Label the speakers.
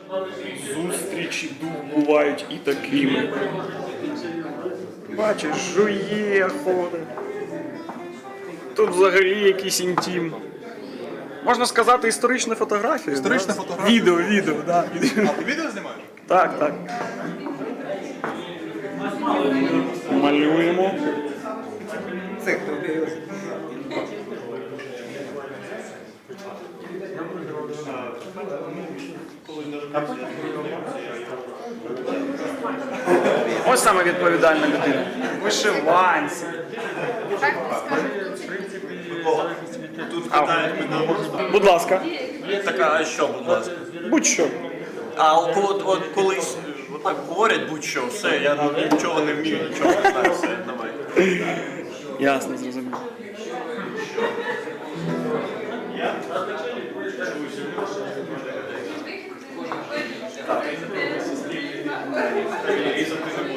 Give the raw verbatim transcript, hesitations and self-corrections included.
Speaker 1: Зустрічі бувають і такими. Бачиш, жує, ходить. Тут взагалі якийсь інтим. Можна сказати, історична фотографія.
Speaker 2: Історична
Speaker 1: да?
Speaker 2: фотографія?
Speaker 1: Відео, відео, да.
Speaker 2: А ти відео знімаєш?
Speaker 1: Так, так. Малюємо. Ось саме відповідальна людина. Вишиванці.
Speaker 3: Тут питають мене.
Speaker 1: Будь ласка.
Speaker 3: Така, а що, будь ласка?
Speaker 1: Будь-що.
Speaker 3: А от, от, от колись отак говорять будь-що, все, я нічого не вмію, нічого не знаю, все, давай.
Speaker 1: Ясно, зрозуміло.
Speaker 3: Різати не